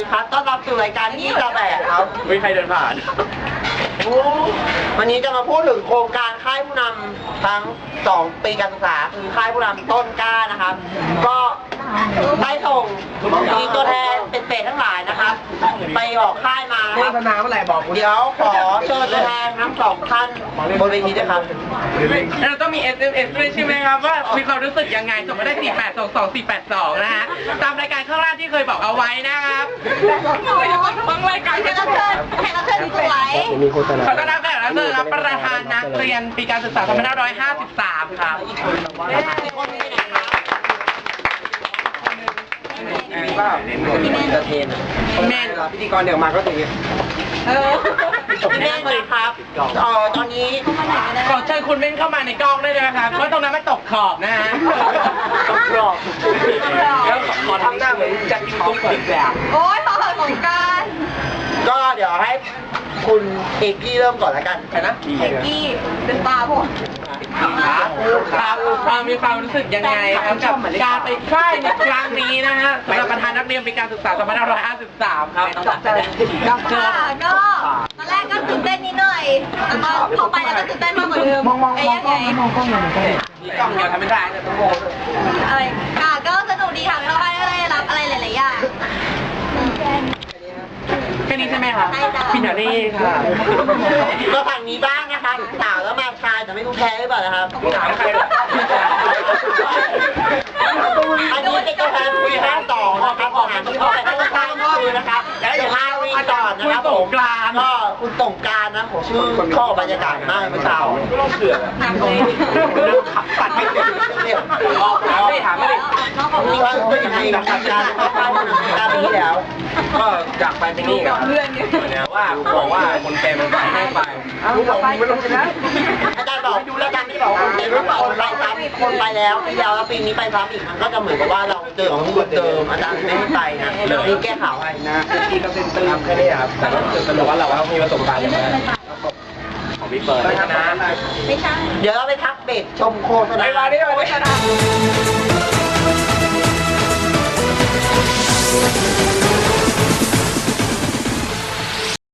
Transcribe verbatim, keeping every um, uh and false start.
ครับต้อนรับสู่รายการที่จะแบกครับไม่ใครเดินผ่านวันนี้จะมาพูดถึงโครงการค่ายผู้นำทั้งสองปีการศึกษาคือค่ายผู้นำต้นกล้านะครับก็ได้ส่งมีตัวแทนเป็นเศษทั้งหลายนะครับไปบอกค่ายมาคโฆรับษณาเมื่อไหร่บอกเดี๋ยวขอเชิญตัวแทนทั้งสองท่านบนเวทีด้วยครับเราต้องมี เอส เอ็ม เอส ด้วยใช่ไหมครับว่ามีความรู้สึกยังไงส่งมาได้สี่แปดสองสองสี่แปดสองนะฮะตามรายการข้างล่างที่เคยบอกเอาไว้นะครับบางรายการแขกรับเชิญแขกรับเชิญสวยขอต้อนรับแขกรับเชิญครับประธานนักเรียนปีการศึกษาสองพันห้าร้อยห้าสิบสามครับเปล่าจะเทนเมนพิธีกรเดี๋ยวมาก็ถึงเออเม่นเลยครับเออตอนนี้ขอเชิญคุณเม่นเข้ามาในกล้องได้เลยนะครับเพราะตรงนั้นมันตกขอบนะฮะตกขอบแล้วขอทำหน้าเหมือนจะกินตุ้งอีกแบบโอ๊ยพอเหอะของการก็เดี๋ยวให้คุณเอกกี้เริ่มก่อนแล้วกันใครนะเอกกี้เป็นตาผมครับครับมีความรู้สึกยังไงครับกับการไปค่ายในครั้งนี้นะฮะสำหรับประธานนักเรียนปีการศึกษาสองพันห้าร้อยห้าสิบสามครับค่ะก็ตอนแรกก็ตื่นเต้นนิดหน่อยแต่ก็พอไปแล้วก็ตื่นเต้นมากกว่าเดิมไอ้ยังไงมองกล้องหน่อยกล้องเดียวทำไม่ได้เนี่ยต้องโง่อะไรค่ะก็สนุกดีค่ะเราได้รับอะไรหลายๆอย่างแค่นี้ใช่ไหมครับพี่หนานี่ค่ะก็ฝั่งนี้บ้างนะครับสาวแล้วมาชายแต่ไม่รู้แพ้หรือเปล่านะครับถามใครอันนี้เป็นตัวแทนคุยห้าต่อนะครับของงานที่เข้าไปให้ข้างก็คือนะครับแล้วเดี๋ยวพาวีก่อนนะครับคุณสงกรานต์ก็คุณสงกรานต์นะผมชื่อเข้าบรรยากาศมากเมื่อเช้าก็ต้องเสือกเรื่องขับปัดไม่เสร็จออกถามไม่ถามไม่ได้มีความรู้สึกยังไงกับการเข้าค่ายผู้นำการปีที่แล้วก็อยากไปเป็นนี่ครับเนี่ยว่าบอกว่าคนเต็มไม่ไปรู้บอกไม่ต้องชนะอาจารย์บอกอาจารย์ไม่บอกคนเต็มคนไปซ้ำคนไปแล้วปีแล้วแล้วปีนี้ไปซ้ำอีกมันก็จะเหมือนกับว่าเราเจอของเหมือนเดิมอาจารย์ไม่ให้ไปนะนี่แก้ข่าวให้นะพี่ก็เป็นตื้มแค่นี้ครับแต่ก็แต่ว่าเราก็มีประสบการณ์อย่างนั้นของพี่เปิดนะไม่ใช่เดี๋ยวเราไปทักเบรกชมโฆษณาเวลานี้โฆษณา